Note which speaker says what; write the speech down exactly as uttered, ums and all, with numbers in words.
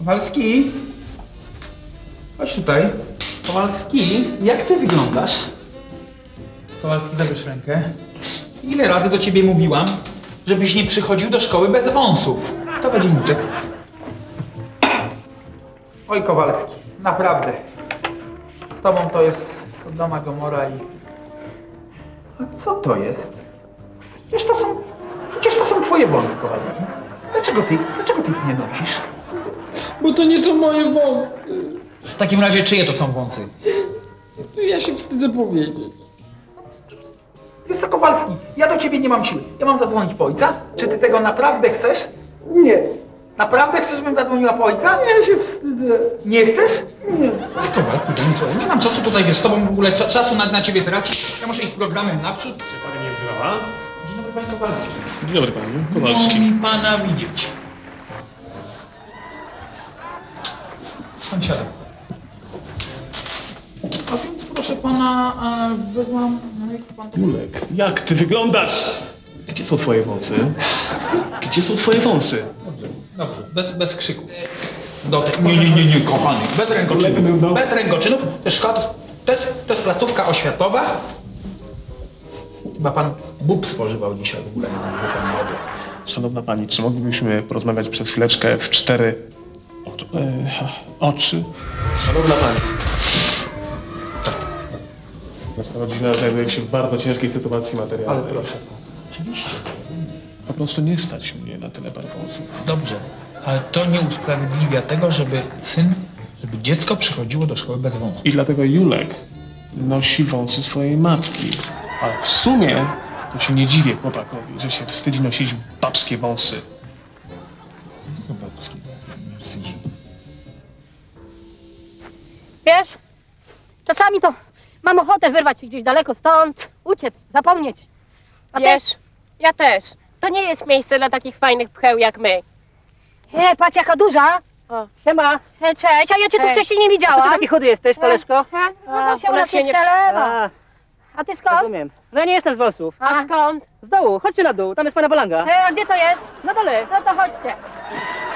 Speaker 1: Kowalski? Chodź tutaj. Kowalski, jak ty wyglądasz? Kowalski, zabierz rękę. Ile razy do ciebie mówiłam, żebyś nie przychodził do szkoły bez wąsów? To będzie niczek. Oj, Kowalski, naprawdę. Z tobą to jest Sodoma Gomora i... A co to jest? Przecież to są... Przecież to są twoje wąsy, Kowalski. Dlaczego ty, dlaczego ty ich nie nosisz?
Speaker 2: Bo to nie są moje wąsy.
Speaker 1: W takim razie czyje to są wąsy?
Speaker 2: Ja się wstydzę powiedzieć.
Speaker 1: Wiesz co, Kowalski, ja do ciebie nie mam siły. Ja mam zadzwonić po ojca? Czy ty tego naprawdę chcesz?
Speaker 2: Nie.
Speaker 1: Naprawdę chcesz, żebym zadzwoniła po ojca?
Speaker 2: Ja się wstydzę.
Speaker 1: Nie chcesz?
Speaker 2: Nie.
Speaker 1: Ach, Kowalski, to nic, słuchaj, nie mam czasu tutaj, wiesz, z tobą w ogóle cza czasu na, na ciebie tracić. Ja muszę iść z programem naprzód.
Speaker 3: Czy pani mnie wzywała?
Speaker 1: Dzień dobry, panie Kowalski.
Speaker 3: Dzień dobry panie
Speaker 1: Miło
Speaker 3: Kowalski.
Speaker 1: mi pana widzieć. Pan siada. A więc proszę pana, e, wezmę... No jak pan to...
Speaker 3: Julek, jak ty wyglądasz? Gdzie są twoje wąsy? Gdzie są twoje wąsy?
Speaker 1: Dobrze, dobrze, bez, bez krzyku. Do te... Nie, nie, nie, nie, kochany, bez rękoczynów. Bez rękoczynów. To jest szkoła, to jest, to jest placówka oświatowa. Chyba pan bób spożywał dzisiaj w ogóle, nie wiem, pan ma obiad.
Speaker 3: Szanowna pani, czy moglibyśmy porozmawiać przez chwileczkę w cztery oczy? E, oczy? Szanowna pani. Nasza rodzina znajduje się w bardzo ciężkiej sytuacji
Speaker 1: Ale
Speaker 3: materialnej.
Speaker 1: proszę pana, oczywiście.
Speaker 3: Po prostu nie stać mnie na tyle par wąsów.
Speaker 1: Dobrze, ale to nie usprawiedliwia tego, żeby syn, żeby dziecko przychodziło do szkoły bez wąsów.
Speaker 3: I dlatego Julek nosi wąsy swojej matki. Ale w sumie to się nie dziwię chłopakowi, że się wstydzi nosić babskie wąsy.
Speaker 1: Chyba się nie wstydzi.
Speaker 4: Wiesz, czasami to mam ochotę wyrwać się gdzieś daleko stąd, uciec, zapomnieć. A ty?
Speaker 5: Wiesz, ja też. To nie jest miejsce dla takich fajnych pcheł jak my.
Speaker 4: E, patrz jaka duża.
Speaker 5: O.
Speaker 4: Siema. E, cześć, a ja cię tu
Speaker 5: Cześć.
Speaker 4: wcześniej nie
Speaker 6: A ty
Speaker 4: widziałam.
Speaker 6: taki chudy jesteś, koleżko?
Speaker 4: E,
Speaker 5: A,
Speaker 4: no, się
Speaker 5: u
Speaker 4: u
Speaker 5: nas
Speaker 4: nas
Speaker 5: się
Speaker 4: nie
Speaker 5: nie-
Speaker 4: przelewa.
Speaker 6: A,
Speaker 4: A ty skąd?
Speaker 6: rozumiem. No ja nie jestem z wąsów.
Speaker 5: A skąd?
Speaker 6: Z dołu, chodźcie na dół, tam jest pana balanga.
Speaker 4: E, a gdzie to jest?
Speaker 6: Na dole.
Speaker 4: No to chodźcie.